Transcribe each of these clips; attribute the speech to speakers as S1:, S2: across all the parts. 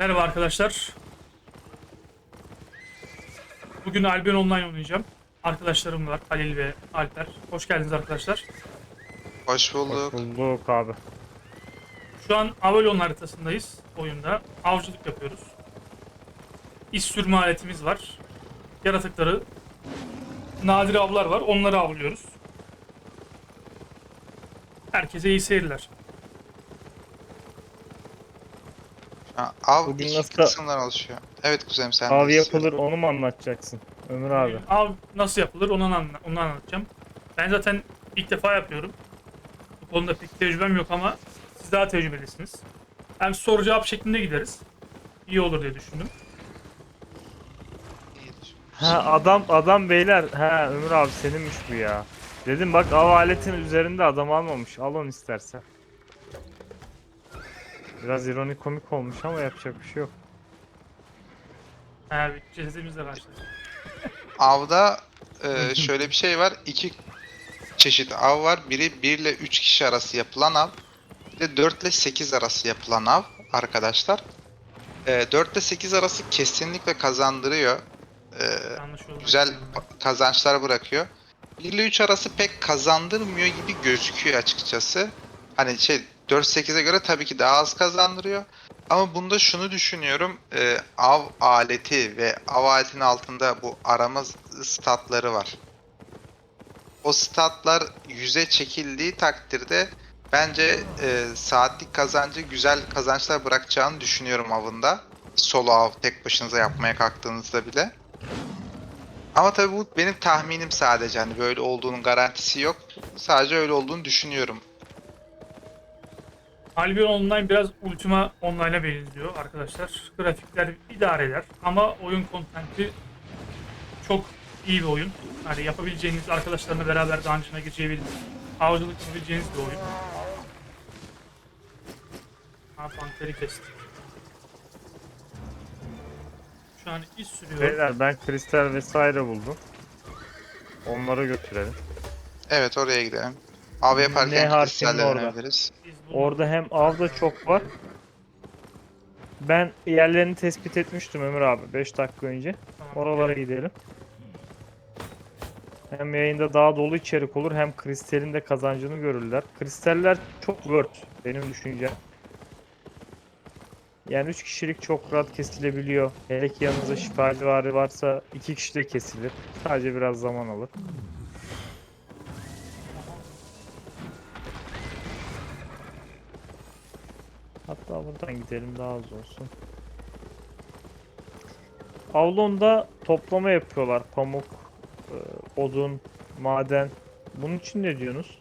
S1: Merhaba arkadaşlar. Bugün Albion Online oynayacağım. Arkadaşlarım var, Halil ve Alper. Hoş geldiniz arkadaşlar.
S2: Hoş
S3: Hoş
S2: bulduk.
S3: bulduk abi.
S1: Şu an Avalon haritasındayız oyunda. Avcılık yapıyoruz. İş sürme aletimiz var. Yaratıkları, nadir avlar var. Onları avlıyoruz. Herkese iyi seyirler.
S2: Av
S3: Bugün
S2: iki
S3: nasıl
S2: kısımdan oluşuyor. Evet kuzenim sen
S3: av
S2: de istiyorum.
S3: yapılır onu mu anlatacaksın Ömür abi?
S1: Bugün av nasıl yapılır onu anlatacağım. Ben zaten ilk defa yapıyorum. Bu konuda pek tecrübem yok ama siz daha tecrübelisiniz. Hem soru cevap şeklinde gideriz. İyi olur diye düşündüm.
S3: Ha adam beyler. Ha Ömür abi seninmiş bu ya. Dedim bak av aletinin üzerinde adam almamış. Al onu istersen. Biraz ironik komik olmuş ama yapacak bir şey yok.
S1: Bir cesedimizle başladık.
S2: Avda şöyle bir şey var. İki çeşit av var. Biri 1 ile 3 kişi arası yapılan av. Bir de 4 ile 8 arası yapılan av arkadaşlar. 4 ile 8 arası kesinlikle kazandırıyor.
S1: Anlaşıldı.
S2: Güzel kazançlar bırakıyor. 1 ile 3 arası pek kazandırmıyor gibi gözüküyor açıkçası. Hani 4-8'e göre tabii ki daha az kazandırıyor. Ama bunda şunu düşünüyorum. Av aleti ve av aletinin altında bu arama statları var. O statlar yüze çekildiği takdirde bence saatlik kazancı güzel kazançlar bırakacağını düşünüyorum avında. Solo av tek başınıza yapmaya kalktığınızda bile. Ama tabii bu benim tahminim sadece. Hani böyle olduğunun garantisi yok. Sadece öyle olduğunu düşünüyorum.
S1: Albion Online biraz Ultima Online'a benziyor arkadaşlar. Grafikler idare eder ama oyun kontenti çok iyi bir oyun. Yani yapabileceğiniz, arkadaşlarla beraber dungeon'a gireceğiniz, avcılık yapabileceğiniz bir oyun. Panteri kestik. Şu an iş sürüyorum.
S3: Beyler ben kristal vesaire buldum. Onları götürelim.
S2: Evet oraya gidelim. Av
S3: N
S2: yaparken
S3: harfinin
S2: kristalle
S3: orada.
S2: öğrenebiliriz.
S1: Biz
S3: Orada hem av da çok var. Ben yerlerini tespit etmiştim Ömür abi 5 dakika önce.
S1: Tamam.
S3: Oralara gidelim. Hem yayında daha dolu içerik olur hem kristalin de kazancını görürler. Kristaller çok worth benim düşüncem. Yani 3 kişilik çok rahat kesilebiliyor. Hele ki yanınızda şifacıvari varsa 2 kişi de kesilir. Sadece biraz zaman alır. Hatta buradan gidelim daha az olsun. Avlonda toplama yapıyorlar. Pamuk, odun, maden. Bunun için ne diyorsunuz?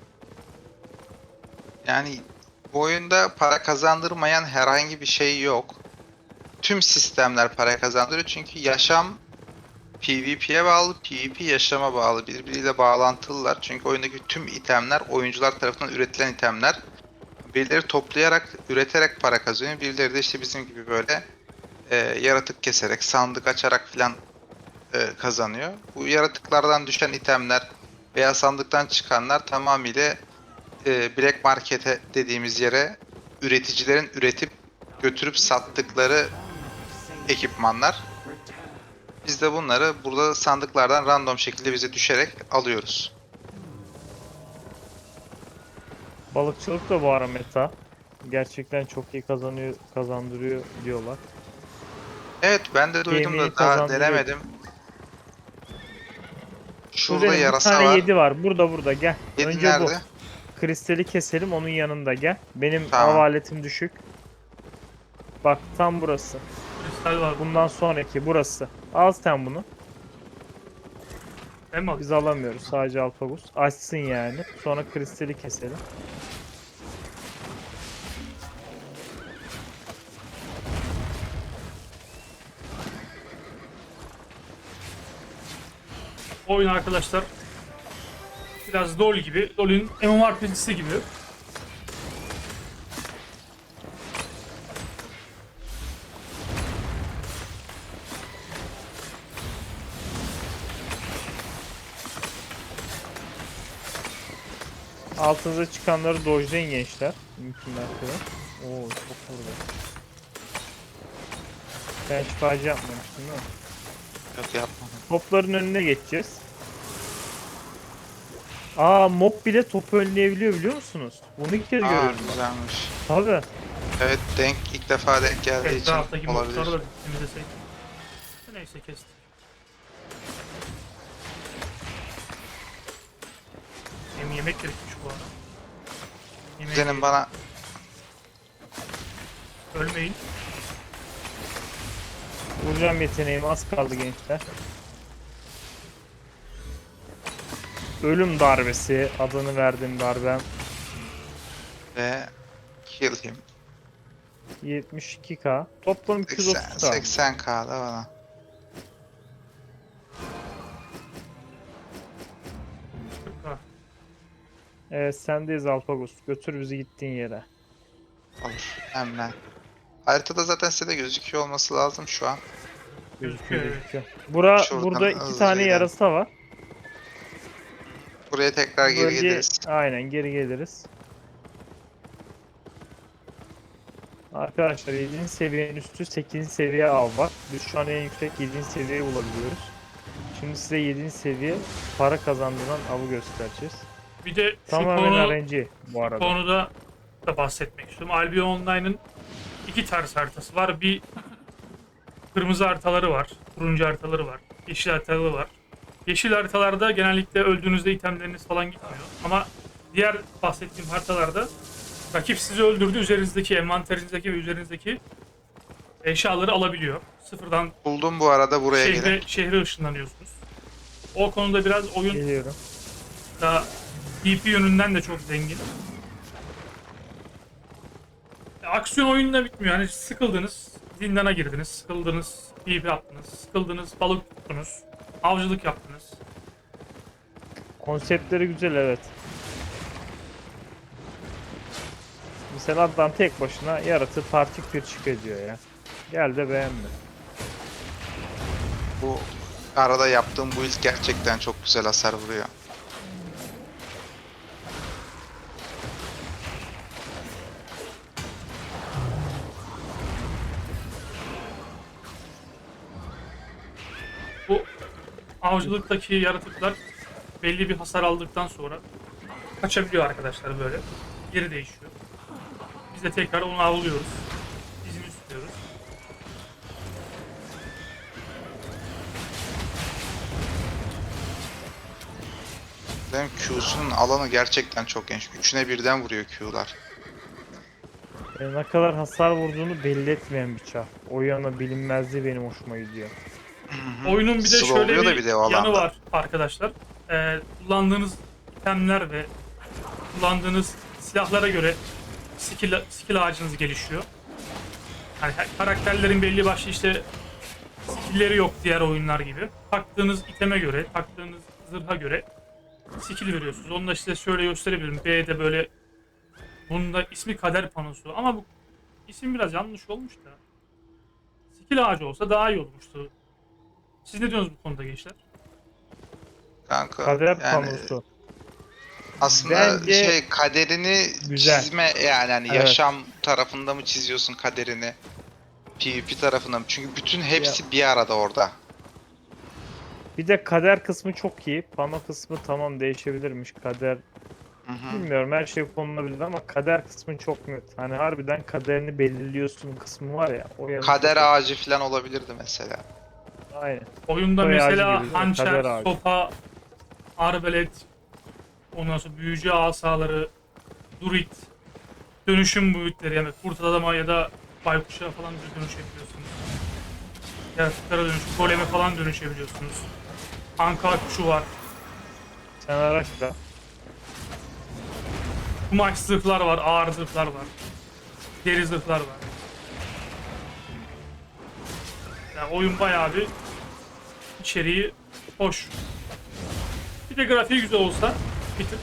S2: Yani bu oyunda para kazandırmayan herhangi bir şey yok. Tüm sistemler para kazandırıyor çünkü yaşam PvP'ye bağlı, PvP yaşama bağlı. Birbiriyle bağlantılılar. Çünkü oyundaki tüm itemler oyuncular tarafından üretilen itemler. Birileri toplayarak, üreterek para kazanıyor. Birileri de işte bizim gibi böyle yaratık keserek, sandık açarak filan kazanıyor. Bu yaratıklardan düşen itemler veya sandıktan çıkanlar tamamıyla Black Market'e dediğimiz yere üreticilerin üretip götürüp sattıkları ekipmanlar. Biz de bunları burada sandıklardan random şekilde bize düşerek alıyoruz.
S3: Balıkçılık da bu ara meta. Gerçekten çok iyi kazandırıyor diyorlar.
S2: Evet ben de duydum
S3: Yemeği
S2: da daha
S3: kazandırıyor.
S2: denemedim. Şurada
S3: Kuzenim bir
S2: yarasa
S3: tane
S2: var.
S3: 7 var. Burada gel.
S2: Yedi
S3: Önce bu.
S2: nerede?
S3: Kristali keselim onun yanında gel. Benim av
S2: Tamam.
S3: aletim düşük. Bak tam burası.
S1: kristal var.
S3: Bundan sonraki burası. Al sen bunu.
S1: Değil mi?
S3: Biz alamıyoruz. Sadece Alfagus. Açsın yani. Sonra kristali keselim.
S1: Oyun arkadaşlar biraz LoL gibi. LoL'ün MMORPG'si gibi.
S3: Altınıza çıkanları dojlayın gençler. Mümkün mertebe. Oo çok vurdu. Sen şifacı yapmamıştın değil mi?
S2: Yok yapmadım.
S3: Topların önüne geçeceğiz. Aa, mob bile topu önleyebiliyor biliyor musunuz? Bunu ilk kez
S2: Aa
S3: görüyorum.
S2: güzelmiş.
S3: Tabii.
S2: Evet ilk defa denk geldiği için
S1: Etraftaki
S2: olabilir.
S1: mobları da temizlesek. Neyse kestik. Yemek gerekmiş bu arada. Yemek
S2: Kuzenim bana
S1: ölmeyin.
S3: Vuracağım yeteneğim az kaldı gençler. Ölüm darbesi adını verdiğim darbem
S2: ve kill him.
S3: 72k. Toplam
S2: 80,
S3: 230k.
S2: 80k da bana.
S1: Ha,
S3: Evet sendeyiz Alpagos. Götür bizi gittiğin yere.
S2: Olur hemen. Haritada zaten size de gözüküyor olması lazım şu an.
S3: Gözüküyor
S1: evet.
S3: gözüküyor.
S2: Şuradan
S3: Burada 2
S2: hızlıca
S3: tane
S2: ilerle.
S3: yarasa var.
S2: Buraya tekrar
S3: Bu
S2: geri
S3: bölge-
S2: geliriz.
S3: Aynen geri geliriz. Arkadaşlar 7. seviyenin üstü 8. seviye av var. Biz şu an en yüksek 7. seviyeyi bulabiliyoruz. Şimdi size 7. seviye para kazandığından avı göstereceğiz.
S1: Bir de şu
S3: Tamamen RNG bu arada.
S1: konuda da bahsetmek istiyorum. Albion Online'ın iki tarz haritası var. Bir kırmızı haritaları var, turuncu haritaları var, yeşil haritaları var. Yeşil haritalarda genellikle öldüğünüzde itemleriniz falan gitmiyor. Ama diğer bahsettiğim haritalarda rakip sizi öldürdü, üzerinizdeki, envanterinizdeki ve üzerinizdeki eşyaları alabiliyor. Sıfırdan
S2: Buldum bu arada buraya gelin.
S1: şehre ışınlanıyorsunuz. O konuda biraz oyun
S3: Geliyorum.
S1: da DP yönünden de çok zengin. Aksiyon oyunla bitmiyor. Hani sıkıldınız, zindana girdiniz, sıkıldınız, DP attınız, sıkıldınız, balık tuttunuz, avcılık yaptınız.
S3: Konseptleri güzel evet. Mesela adam tek başına yaratığı partik bir ediyor ya. Gel de beğenme.
S2: Bu arada yaptığım bu ilk gerçekten çok güzel hasar vuruyor.
S1: Bu avcılıktaki yaratıklar belli bir hasar aldıktan sonra kaçabiliyor arkadaşlar böyle. Geri değişiyor. Biz de tekrar onu avlıyoruz. İzini tutuyoruz.
S2: Benim Q'sunun alanı gerçekten çok geniş. Üçüne birden vuruyor Q'lar.
S3: Ne kadar hasar vurduğunu belli etmeyen bir çar. O yana bilinmezliği benim hoşuma gidiyor.
S1: Oyunun bir de şöyle
S2: Slowluyor da
S1: bir
S2: bir de o
S1: yanı
S2: alanda.
S1: var arkadaşlar. Kullandığınız itemler ve kullandığınız silahlara göre skill ağacınız gelişiyor. Yani karakterlerin belli başlı işte skill'leri yok diğer oyunlar gibi. Taktığınız iteme göre, taktığınız zırha göre skill veriyorsunuz. Onu da size şöyle gösterebilirim. B'de böyle bunun da ismi kader panosu ama bu isim biraz yanlış olmuş da. Skill ağacı olsa daha iyi olmuştu. Siz ne diyorsunuz bu konuda gençler?
S2: Kanka
S3: Kader
S2: yani
S3: panosu.
S2: aslında
S3: Bence
S2: kaderini
S3: güzel.
S2: çizme yani hani
S3: Evet.
S2: yaşam tarafında mı çiziyorsun kaderini? PvP tarafında mı? Çünkü bütün hepsi bir arada orada.
S3: Bir de kader kısmı çok iyi. Pano kısmı tamam değişebilirmiş. Kader
S2: Hı hı.
S3: bilmiyorum her şey konulabilir ama kader kısmı çok net. Hani harbiden kaderini belirliyorsun kısmı var ya. O yanı
S2: Kader
S3: çok iyi.
S2: ağacı falan olabilirdi mesela.
S3: Aynen.
S1: Oyunda
S3: Soy ağacı
S1: mesela
S3: gibi değil mi?
S1: hançer,
S3: Kader ağacı.
S1: sopa, arbelet, ondan sonra büyücü asaları, druid, dönüşüm boyutları yani kurt adama ya da baykuşa falan dönüşebiliyorsunuz. Yaratıklara goleme falan dönüşebiliyorsunuz. Anka kuşu var.
S3: Sen araçla.
S1: Kumaş zırhlar var, ağır zırhlar var. Deri zırhlar var. Yani oyun bayağı bir içeriği hoş. Bir de grafiği güzel olsa bir tık.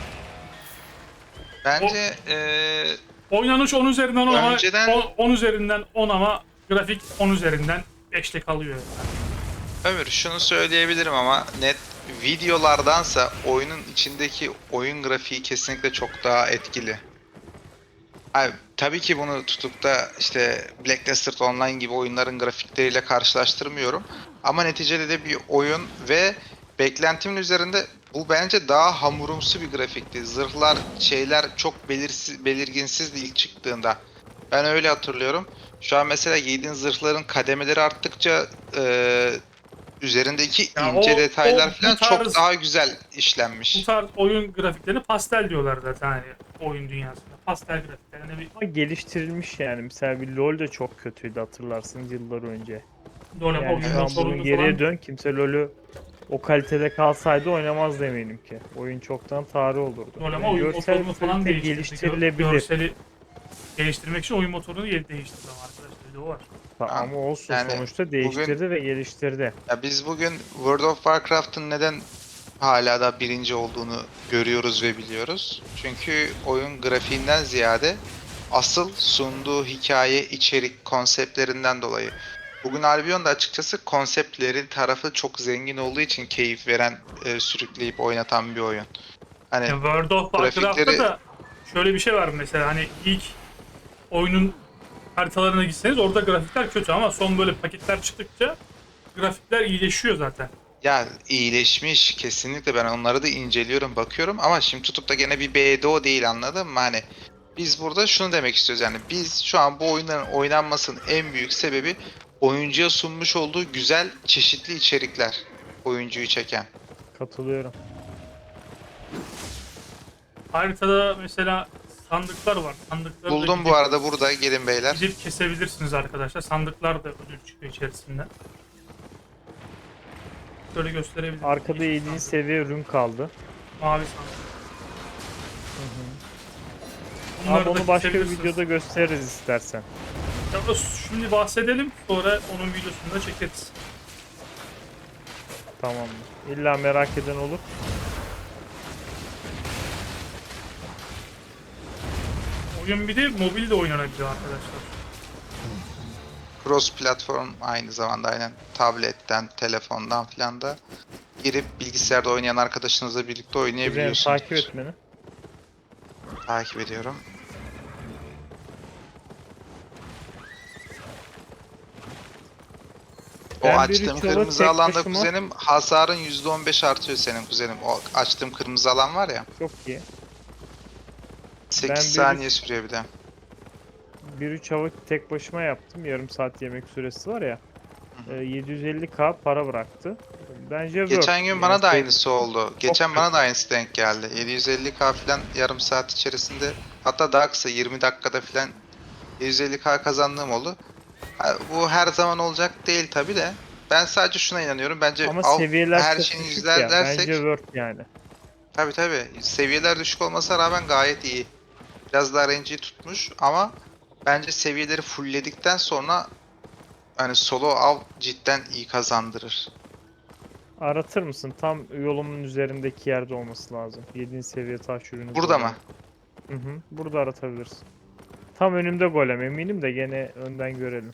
S2: Bence
S1: Oynanış 10 üzerinden 10 ama
S2: Önceden-
S1: 10 üzerinden 10 ama grafik 10 üzerinden 5'te kalıyor.
S2: Ömür şunu söyleyebilirim ama net videolardansa oyunun içindeki oyun grafiği kesinlikle çok daha etkili. Abi tabii ki bunu tutup da işte Blacklisted Online gibi oyunların grafikleriyle karşılaştırmıyorum. Ama neticede de bir oyun ve beklentimin üzerinde bu bence daha hamurumsu bir grafikti. Zırhlar, şeyler çok belirginsizdi ilk çıktığında. Ben öyle hatırlıyorum. Şu an mesela giydiğin zırhların kademeleri arttıkça üzerindeki
S1: Ya
S2: ince
S1: o
S2: detaylar
S1: bu
S2: falan çok
S1: tarz
S2: daha güzel
S1: bu
S2: işlenmiş.
S1: tarz oyun grafiklerini pastel diyorlar zaten hani oyun dünyasında. Pastel grafikler. Yani bir
S3: Ama geliştirilmiş yani. Mesela bir LoL de çok kötüydü hatırlarsınız yıllar önce.
S1: dönem
S3: Yani
S1: oyun
S3: şu an bunun
S1: motorunu
S3: geriye
S1: falan
S3: dön, kimse LoL'ü o kalitede kalsaydı oynamazdı eminim ki. Oyun çoktan tarih olurdu.
S1: dönem
S3: Yani
S1: oyun
S3: görsel
S1: motorunu falan
S3: kalite
S1: değiştirdi.
S3: geliştirilebilir.
S1: Görseli geliştirmek için oyun motorunu değiştirdi ama arkadaşlar bir de o var.
S2: Tamam.
S3: Ama olsun,
S2: Yani
S3: sonuçta
S2: bugün
S3: değiştirdi ve geliştirdi.
S2: ya biz bugün World of Warcraft'ın neden hala da birinci olduğunu görüyoruz ve biliyoruz. Çünkü oyun grafiğinden ziyade asıl sunduğu hikaye, içerik, konseptlerinden dolayı. Bugün Albion da açıkçası konseptleri tarafı çok zengin olduğu için keyif veren, sürükleyip oynatan bir oyun. Hani
S1: Ya World of Warcraft'ta
S2: grafikleri
S1: da şöyle bir şey var mesela hani ilk oyunun haritalarına gitseniz orada grafikler kötü ama son böyle paketler çıktıkça grafikler iyileşiyor zaten.
S2: ya iyileşmiş kesinlikle, ben onları da inceliyorum, bakıyorum ama şimdi tutup da gene bir BDO değil, anladın mı? Hani biz burada şunu demek istiyoruz, yani biz şu an bu oyunların oynanmasının en büyük sebebi oyuncuya sunmuş olduğu güzel çeşitli içerikler, oyuncuyu çeken.
S3: Katılıyorum.
S1: Haritada mesela sandıklar var. Sandıkları da
S2: Buldum bu arada, burada gelin beyler.
S1: gidip kesebilirsiniz arkadaşlar. Sandıklar da ödül çıkıyor içerisinden. Şöyle gösterebilirim.
S3: Arkada
S1: Yeşil
S3: 7.
S1: sandık,
S3: seviye ürün kaldı.
S1: mavi sandık.
S3: Ama
S1: Bunları da
S3: onu başka bir
S1: kesebilirsiniz.
S3: videoda gösteririz istersen.
S1: Ya şimdi bahsedelim sonra onun videosunu da çekeriz.
S3: Tamam. İlla merak eden olur.
S1: Oyun bir de mobilde oynanabiliyor arkadaşlar.
S2: Cross platform, aynı zamanda aynen tabletten, telefondan filan da girip bilgisayarda oynayan arkadaşınızla birlikte
S3: Kuzenim takip
S2: oynayabiliyorsunuz.
S3: et beni.
S2: Takip ediyorum. O
S3: Ben bir
S2: açtığım
S3: üç yola
S2: kırmızı
S3: tek
S2: alanda
S3: başıma
S2: kuzenim, hasarın %15 artıyor senin kuzenim. O açtığım kırmızı alan var ya.
S3: çok iyi.
S2: 8
S3: Ben
S2: saniye sürüyor bir de.
S3: 1-3 hava tek başıma yaptım. Yarım saat yemek süresi var ya.
S2: Hı hı.
S3: 750k para bıraktı. Bence worth.
S2: Geçen gün
S3: Yani
S2: bana da aynısı oldu.
S3: çok
S2: Geçen bana
S3: kötü.
S2: da aynısı denk geldi. 750k falan yarım saat içerisinde, hatta daha kısa 20 dakikada falan 750k kazandığım oldu. Ha, bu her zaman olacak değil tabi de. Ben sadece şuna inanıyorum. Bence
S3: Ama seviyeler
S2: her
S3: çok
S2: şeyini
S3: düşük ya. Bence
S2: izlersek,
S3: worth yani.
S2: tabi seviyeler düşük olmasına rağmen gayet iyi. Biraz daha RNG'yi tutmuş ama bence seviyeleri fullledikten sonra hani solo av cidden iyi kazandırır.
S3: Aratır mısın? Tam yolumun üzerindeki yerde olması lazım. 7. seviye taş ürünü
S2: Burada mı?
S3: golemi. Hı hı. Burada aratabilirsin. Tam önümde golem, eminim de gene önden görelim.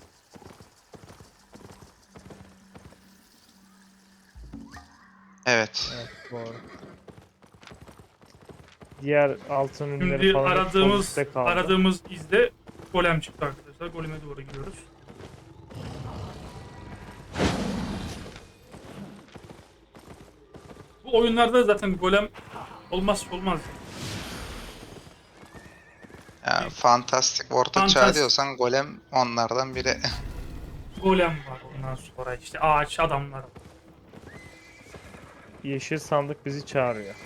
S2: Evet.
S3: Evet, doğru. Diğer altın ürünleri
S1: Şimdi
S3: falan hep sol üstte kaldı.
S1: aradığımız izde golem çıktı arkadaşlar. Goleme doğru gidiyoruz. Bu oyunlarda zaten golem olmazsa olmaz.
S2: Ya, fantastik orta çağ
S1: Fantastik
S2: diyorsan Golem onlardan biri.
S1: golem var ondan sonra işte ağaç adamlar var.
S3: Yeşil sandık bizi çağırıyor.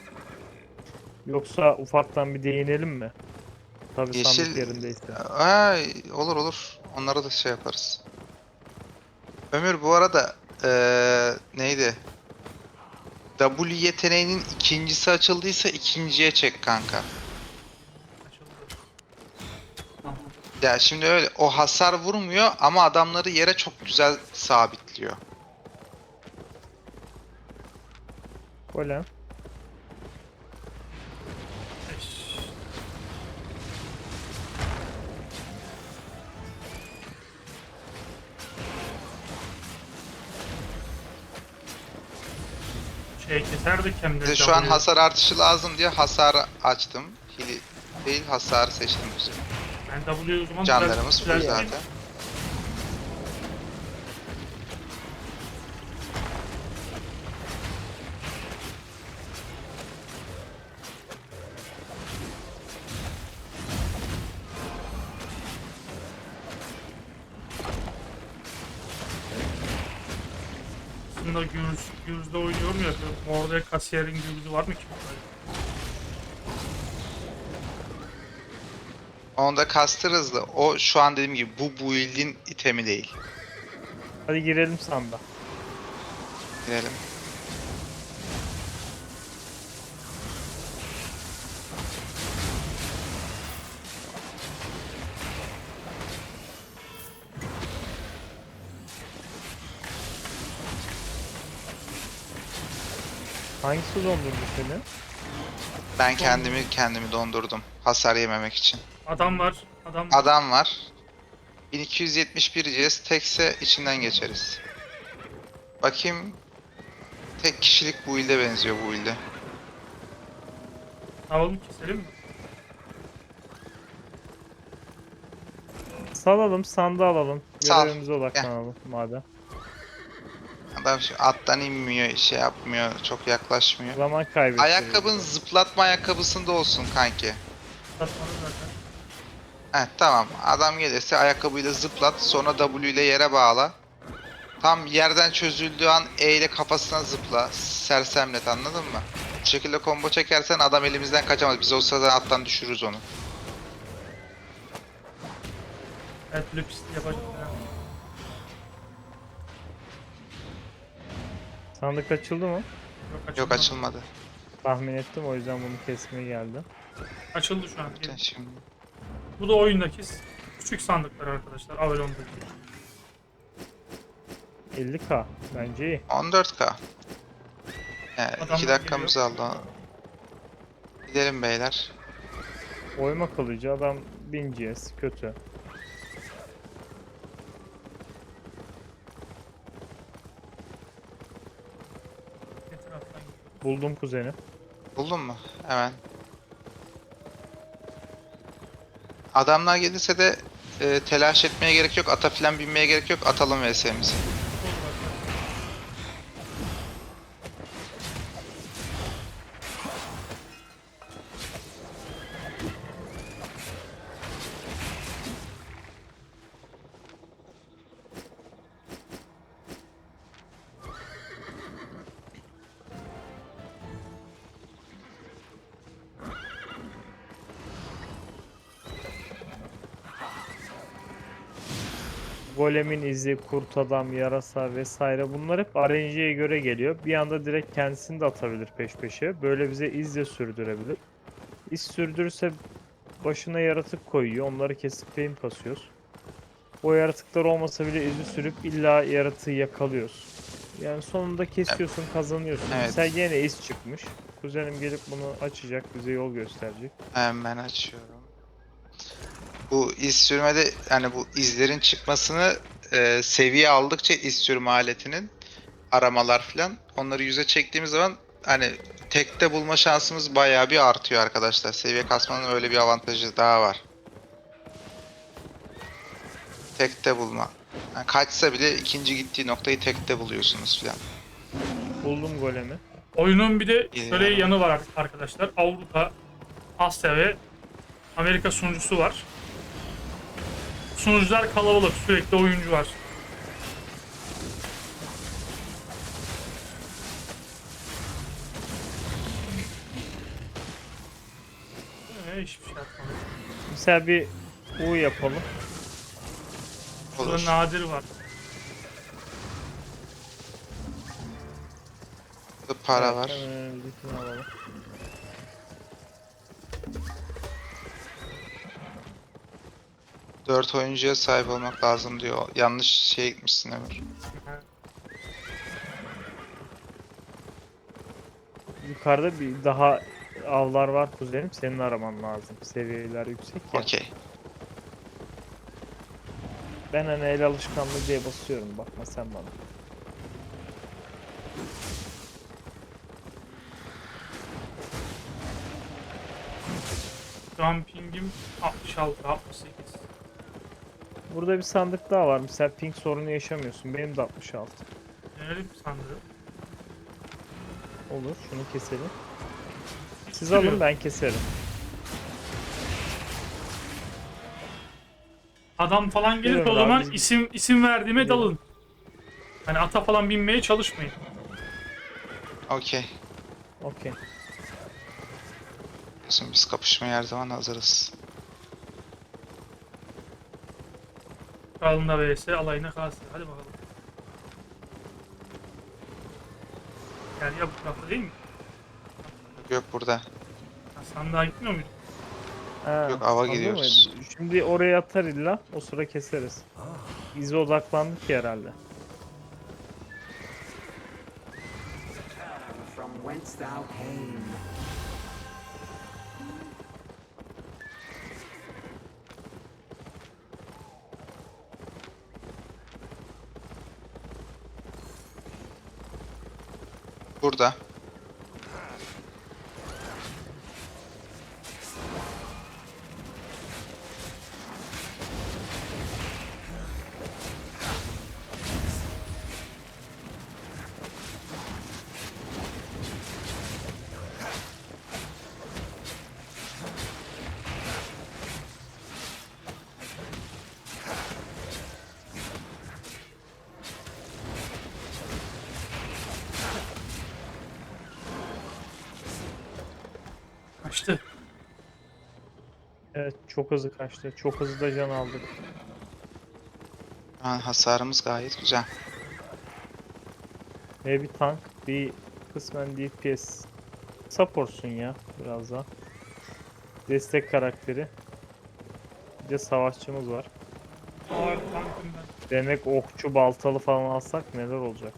S3: Yoksa ufaktan bir değinelim mi? Tabii sandık
S2: Yeşil,
S3: yerindeyse.
S2: ay, olur olur. Onlara da şey yaparız. Ömür, bu arada neydi? W yeteneğinin ikincisi açıldıysa ikinciye çek kanka.
S1: Açıldı. Tamam.
S2: Ya şimdi öyle o hasar vurmuyor ama adamları yere çok güzel sabitliyor.
S3: Golem.
S1: Eş. Şey keserdik hem de
S2: Bize şu an
S1: W.
S2: hasar artışı lazım diye hasar açtım. değil, hasarı seçtim güzel.
S1: Ben W'yu o zaman
S2: Canlarımız full
S1: düzelteyim.
S2: zaten.
S1: Aslında Gürz'de oynuyorum ya. Orada kasiyerin Gürz'ü var mı ki?
S2: Onda kastır hızlı. O şu an dediğim gibi bu build'in itemi değil.
S3: Hadi girelim sanda.
S2: Girelim.
S3: Hangisi dondurdu seni?
S2: Ben kendimi dondurdum. Hasar yememek için.
S1: Adam var. Adam var.
S2: Adam var. 1271 CS tekse içinden geçeriz. Bakayım. Tek kişilik build'e benziyor bu build'e.
S1: Ne yapalım, keselim mi?
S3: Salalım, sanda alalım.
S2: Sal.
S3: Görevimize odaklanalım madem.
S2: Adam şu attan inmiyor, şey yapmıyor, çok yaklaşmıyor.
S3: Zaman kaybettik.
S2: Ayakkabın zıplatma ayakkabısında olsun kanki.
S1: Satmadı zaten.
S2: Heh, tamam. Adam gelirse ayakkabıyla zıplat, sonra W ile yere bağla. Tam yerden çözüldüğü an E ile kafasına zıpla. Sersemlet, anladın mı? Bu şekilde combo çekersen adam elimizden kaçamaz. Biz o sırada attan düşürürüz onu.
S1: Evet, lüps yapacağım.
S3: Sandık açıldı mı?
S2: Yok, açılmadı.
S3: Tahmin ettim, o yüzden bunu kesmeye geldim.
S1: Açıldı şu an.
S2: Şimdi
S1: Bu da oyundaki küçük sandıklar arkadaşlar. Avalon'daki.
S3: 50k bence iyi.
S2: 14K. Evet,
S1: Adamlar
S2: 2 dakikamız aldı. Gidelim beyler.
S3: Oyma kılıcı adam 1000 GS kötü.
S1: Etraftan gidiyor.
S3: Buldum kuzeni.
S2: Buldun mu? Hemen. Adamlar gelirse de telaş etmeye gerek yok. Ata filan binmeye gerek yok. Atalım VS'mizi.
S3: Golemin izi, kurt adam, yarasa vesaire bunlar hep RNG'ye göre geliyor. Bir anda direkt kendisini de atabilir peş peşe. Böyle bize iz de sürdürebilir. İz sürdürürse başına yaratık koyuyor. Onları kesip fame kasıyoruz. O yaratıklar olmasa bile izi sürüp illa yaratığı yakalıyoruz. Yani sonunda kesiyorsun, kazanıyorsun.
S2: Evet.
S3: Mesela yine iz çıkmış. Kuzenim gelip bunu açacak, bize yol gösterecek.
S2: Hemen açıyorum. Bu iz sürmede yani bu izlerin çıkmasını seviye aldıkça iz sürme aletinin aramalar filan onları yüze çektiğimiz zaman hani tekte bulma şansımız bayağı bir artıyor arkadaşlar. Seviye kasmanın öyle bir avantajı daha var. Tekte bulma. Yani kaçsa bile ikinci gittiği noktayı tekte buluyorsunuz filan.
S3: Buldum golemi.
S1: Oyunun bir de şöyle
S2: İyi.
S1: yanı var arkadaşlar. Avrupa, Asya ve Amerika sunucusu var. Sunucular kalabalık, sürekli oyuncu var. Hiçbir şey atmadım.
S3: Mesela bir U yapalım.
S1: Burada
S2: Olur.
S1: nadir var.
S2: Burada para
S3: Evet,
S2: var.
S3: hemen önümüzdekini alalım.
S2: Dört oyuncuya sahip olmak lazım diyor. Yanlış şeye gitmişsin Ömür.
S3: Yukarıda bir daha avlar var kuzenim. Senin araman lazım. Seviyeler yüksek ya.
S2: Okey.
S3: Ben hani el alışkanlığı diye basıyorum. Bakma sen bana.
S1: Şu an pingim 66, 68.
S3: Burada bir sandık daha var. Mesela ping sorunu yaşamıyorsun. Benim de 66.
S1: Denelim sandığı.
S3: Olur. Şunu keselim. Siz
S1: Sürüyor.
S3: alın, ben keserim.
S1: Adam falan gelirse
S3: Biliyorum
S1: o zaman
S3: abi, biz-
S1: isim verdiğime
S3: Biliyorum.
S1: dalın. Hani ata falan binmeye çalışmayın.
S2: Okey.
S3: Okey.
S2: Şimdi biz kapışmaya her zaman hazırız.
S1: Kralına vs alayına kalsın. Hadi bakalım. Yani ya bu tarafta değil mi?
S2: Yok burada.
S1: Ha, sandığa gitmiyor muyduk?
S3: Ha,
S2: Yok, ava
S3: anladın mı?
S2: gidiyoruz.
S3: Şimdi oraya atar illa. O sıra keseriz. İze odaklandık ya herhalde.
S4: From whence thou came.
S2: Burada.
S1: Kaçtı.
S3: Evet, çok hızlı kaçtı. Çok hızlı da can aldık.
S2: Hasarımız gayet güzel.
S3: Ve bir tank, bir kısmen DPS. Supportsun ya biraz daha. Destek karakteri. Bir de savaşçımız var.
S1: Ağır tankım ben.
S3: Demek okçu baltalı falan alsak neler olacak?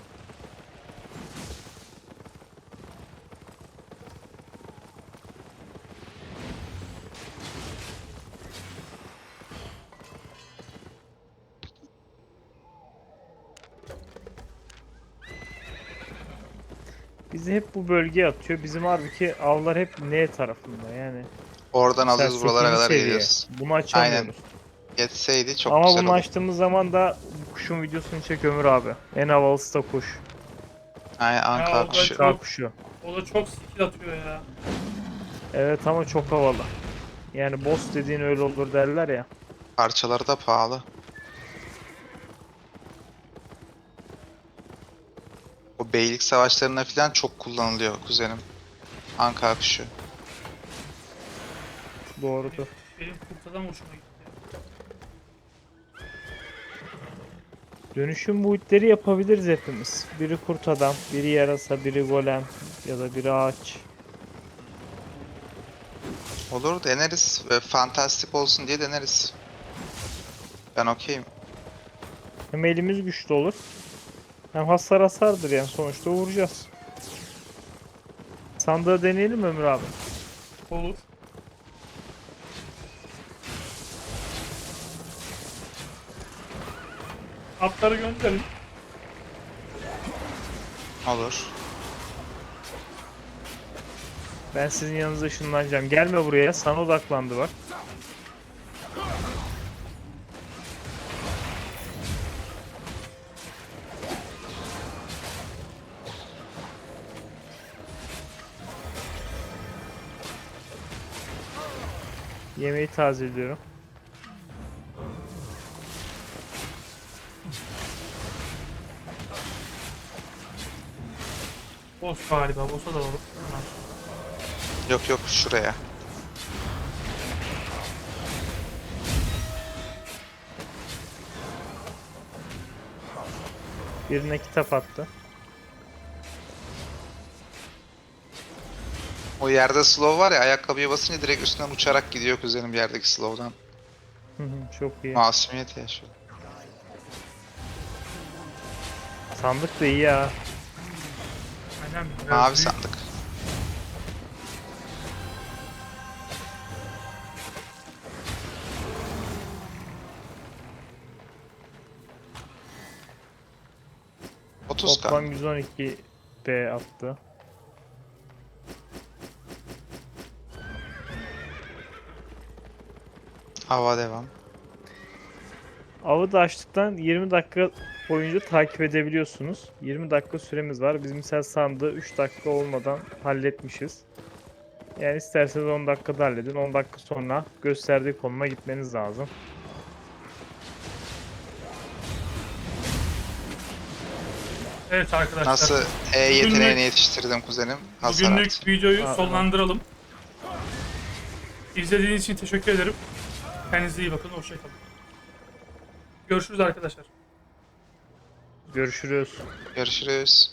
S3: Bizi hep bu bölgeye atıyor. Bizim halbuki avlar hep N tarafında yani.
S2: Oradan
S3: Mesela
S2: alıyoruz, buralara
S3: 8.
S2: kadar
S3: seviye.
S2: geliyoruz.
S3: Bunu açamıyoruz.
S2: Yetseydi çok
S3: Ama
S2: güzel
S3: bunu
S2: olurdu.
S3: açtığımız zaman da bu kuşun videosunu çek Ömür abi. En havalısı da kuş.
S2: Aynen,
S1: Ya
S2: Anka
S1: o da
S2: kuşu.
S3: Kar
S1: çok,
S3: kuşu.
S1: o da çok skill atıyor ya.
S3: Evet ama çok havalı. Yani boss dediğin öyle olur derler ya.
S2: Parçaları da pahalı. O beylik savaşlarında falan çok kullanılıyor kuzenim. Anka kuşu.
S3: Doğrudur.
S1: Benim kurtadan hoşuma gitti.
S3: Dönüşüm boyutları yapabiliriz hepimiz. Biri kurt adam, biri yarasa, biri golem ya da biri ağaç.
S2: Olur, deneriz. Ve fantastik olsun diye deneriz. Ben okeyim.
S3: Hem elimiz güçlü olur. Hem hasardır yani sonuçta vuracağız. Sandığı deneyelim mi Ömür abi?
S1: Olur. Atları gönderin.
S2: Olur.
S3: Ben sizin yanınıza ışınlanacağım. Gelme buraya. Sana odaklandı bak. Yemeği tazeliyorum.
S1: Boss galiba. Boss'a da olur.
S2: Yok yok, şuraya.
S3: Birine kitap attı.
S2: O yerde slow var ya, ayakkabıya basınca direkt üstünden uçarak gidiyor kuzenim yerdeki slow'dan.
S3: Hı hı, çok iyi.
S2: Masumiyet yaşıyor.
S3: Sandık da iyi ya.
S1: Aynen. biraz
S2: Mavi
S1: büyük.
S2: sandık.
S3: Toplam
S2: 30k.
S3: 112 B attı.
S2: Hava devam.
S3: Avı da açtıktan 20 dakika boyunca takip edebiliyorsunuz. 20 dakika süremiz var. Biz mesela sandığı 3 dakika olmadan halletmişiz. Yani isterseniz 10 dakikada halledin. 10 dakika sonra gösterdiği konuma gitmeniz lazım.
S1: Evet arkadaşlar.
S2: Nasıl E
S1: Bugünlük-
S2: yeteneğini yetiştirdim kuzenim. Hasar
S1: Bugünlük
S2: artı.
S1: videoyu
S3: Aa,
S1: sonlandıralım. İzlediğiniz için teşekkür ederim. Kendinize iyi bakın. Hoşçakalın. Görüşürüz arkadaşlar.
S3: Görüşürüz.
S2: Görüşürüz.